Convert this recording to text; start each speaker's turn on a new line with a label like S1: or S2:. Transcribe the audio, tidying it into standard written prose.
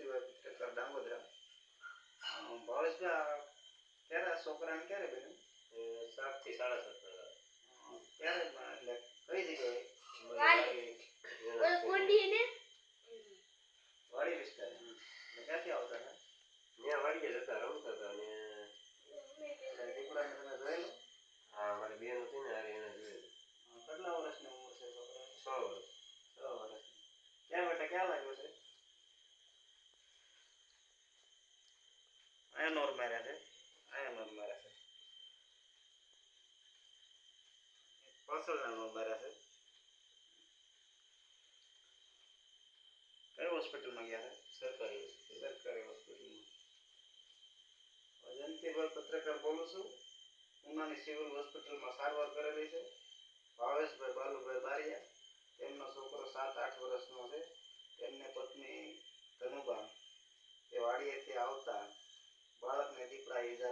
S1: જ્યોતિભાઈ પત્રકાર ડાંગોદરા. ભાવેશભાઈ ક્યારે છોકરાને ક્યારે બન્યું?
S2: 7 થી 7:30
S1: ક્યારે એટલે કઈ જગ્યાએ? વાડી વિસ્તાર. ક્યાંથી આવતા હતા?
S2: ત્યાં વાડીએ જતા રમતા હતા અને
S1: દીકરાને તમે જોયેલો?
S2: હા, મારી બેન હતી ને હારે એને જોયેલું.
S1: કેટલા વર્ષની ઉંમર છે છોકરાની?
S2: 6 વર્ષ.
S1: 6 વર્ષની. ક્યાં બેટા ક્યાં લાગ્યો છે? આયા નોર માર્યા છે. આયા નોર માર્યા છે. પાછળના નોર માર્યા છે. કઈ હોસ્પિટલમાં ગયા છે?
S2: સરકારી
S1: હોસ્પિટલમાં. જયંતિભાઈ પત્રકાર બોલું છું. ઉનાની સિવિલ હોસ્પિટલમાં સારવાર કરેલી છે. ભાવેશભાઈ બાલુભાઈ બારિયા. તેમનો છોકરો 7-8 વર્ષનો છે. તેમને પત્ની ધનુબા તે વાડીએથી આવતા બાળકને દીપડા ઈજા